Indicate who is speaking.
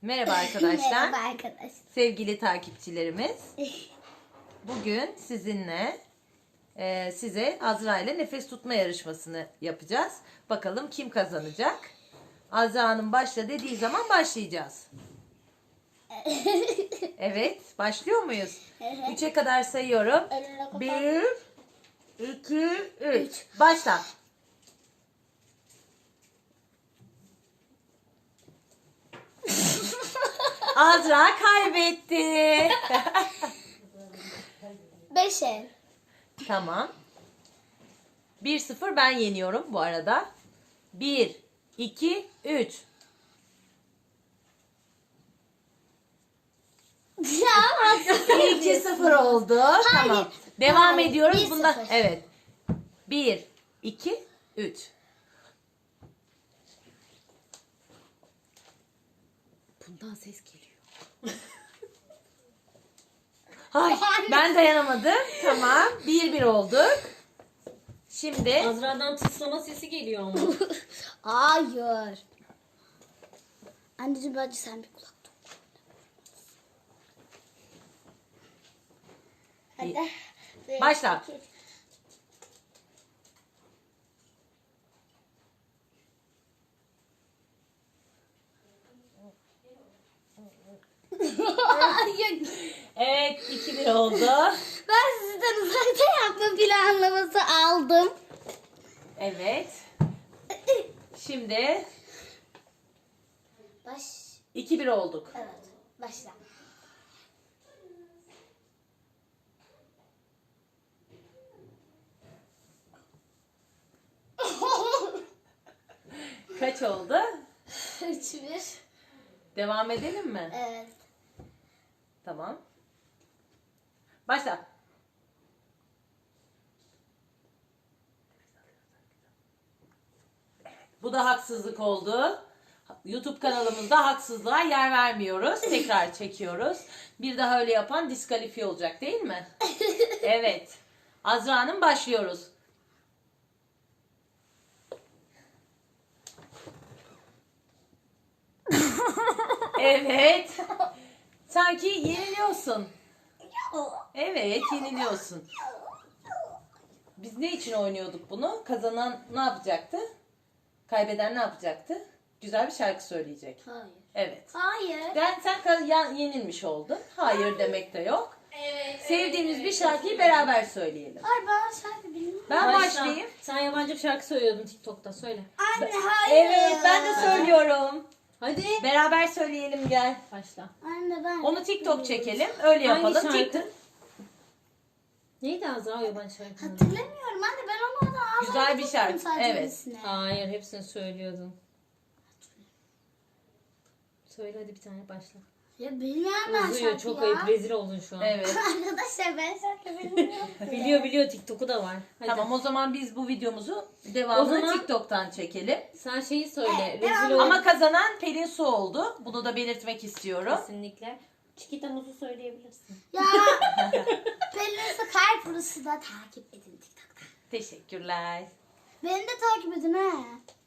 Speaker 1: Merhaba arkadaşlar.
Speaker 2: Merhaba arkadaşlar.
Speaker 1: Sevgili takipçilerimiz. Bugün sizinle size Azra ile nefes tutma yarışmasını yapacağız. Bakalım kim kazanacak? Azra'nın başla dediği zaman başlayacağız. Evet, başlıyor muyuz? 3'e kadar sayıyorum. 1, 2, 3. Başla. Azra kaybetti.
Speaker 2: 5 el.
Speaker 1: Tamam. 1-0 ben yeniyorum bu arada. 1, 2, 3.
Speaker 2: Ya haksızlık
Speaker 1: 2-0 oldu. Tamam. Devam
Speaker 2: Hayır,
Speaker 1: ediyoruz.
Speaker 2: 1-0.
Speaker 1: Bunda evet. 1, 2, 3. Bundan ses geliyor. Ay, ben dayanamadım. Tamam. 1-1 olduk. Şimdi
Speaker 3: Azra'dan tıslama sesi geliyor ama.
Speaker 2: Hayır. Anneciğim bence sen bir kulak tut. Hadi.
Speaker 1: Başla.
Speaker 2: Hayır.
Speaker 1: Evet, 2-1 oldu.
Speaker 2: Ben sizden uzakta yapma planlaması aldım.
Speaker 1: Evet. Şimdi
Speaker 2: Baş.
Speaker 1: 2-1 olduk.
Speaker 2: Evet. Başla.
Speaker 1: Kaç oldu?
Speaker 2: 3-1.
Speaker 1: Devam edelim mi?
Speaker 2: Evet.
Speaker 1: Tamam. Başla. Bu da haksızlık oldu. YouTube kanalımızda haksızlığa yer vermiyoruz. Tekrar çekiyoruz. Bir daha öyle yapan diskalifiye olacak değil mi? Evet. Azra Hanım başlıyoruz. Evet. Sanki yeniliyorsun. Evet, yeniliyorsun. Biz ne için oynuyorduk bunu? Kazanan ne yapacaktı? Kaybeden ne yapacaktı? Güzel bir şarkı söyleyecek.
Speaker 2: Hayır.
Speaker 1: Evet.
Speaker 2: Hayır.
Speaker 1: Sen yenilmiş oldun. Hayır demek de yok.
Speaker 2: Evet.
Speaker 1: Sevdiğimiz bir şarkıyı beraber söyleyelim.
Speaker 2: Hayır ben şarkı bilmiyorum.
Speaker 1: Ben
Speaker 3: Başla.
Speaker 1: başlayayım.
Speaker 3: Sen yabancı bir şarkı söylüyordun TikTok'ta, söyle.
Speaker 2: Anne hayır.
Speaker 1: Evet, ben de söylüyorum.
Speaker 3: Hadi.
Speaker 1: Beraber söyleyelim gel.
Speaker 3: Başla.
Speaker 2: Anne ben.
Speaker 1: Onu TikTok çekelim. Öyle
Speaker 3: Hangi
Speaker 1: yapalım.
Speaker 3: şarkı?
Speaker 1: TikTok.
Speaker 3: Neydi Azra yabancı şarkı?
Speaker 2: Hatırlamıyorum anne ben onu orada ağzımda
Speaker 1: Güzel bir
Speaker 2: tuttum
Speaker 1: şarkı,
Speaker 2: sadece
Speaker 1: evet.
Speaker 2: birisine.
Speaker 3: Hayır, hepsini söylüyordun. Söyle hadi bir tane başla.
Speaker 2: Ya bilmiyorum ben
Speaker 3: Uzuyor,
Speaker 2: şarkı
Speaker 3: çok
Speaker 2: ya.
Speaker 3: ayıp, rezil oldun şu an.
Speaker 1: Evet.
Speaker 2: Arkadaşlar ben şarkı bilmiyorum.
Speaker 3: Biliyor, TikTok'u da var. Hadi.
Speaker 1: Tamam o zaman biz bu videomuzu devamını
Speaker 3: O zaman-
Speaker 1: TikTok'tan çekelim.
Speaker 3: Sen şeyi söyle.
Speaker 2: Evet,
Speaker 3: Rezil
Speaker 2: devam.
Speaker 3: ol.
Speaker 1: Ama kazanan Pelin Su oldu. Bunu da belirtmek istiyorum.
Speaker 3: Kesinlikle. Çikita Muz'u söyleyebilirsin.
Speaker 2: Ya Pelin Su Kalp Rus'u da takip edin TikTok'ta.
Speaker 1: Teşekkürler.
Speaker 2: Beni de takip edin ha.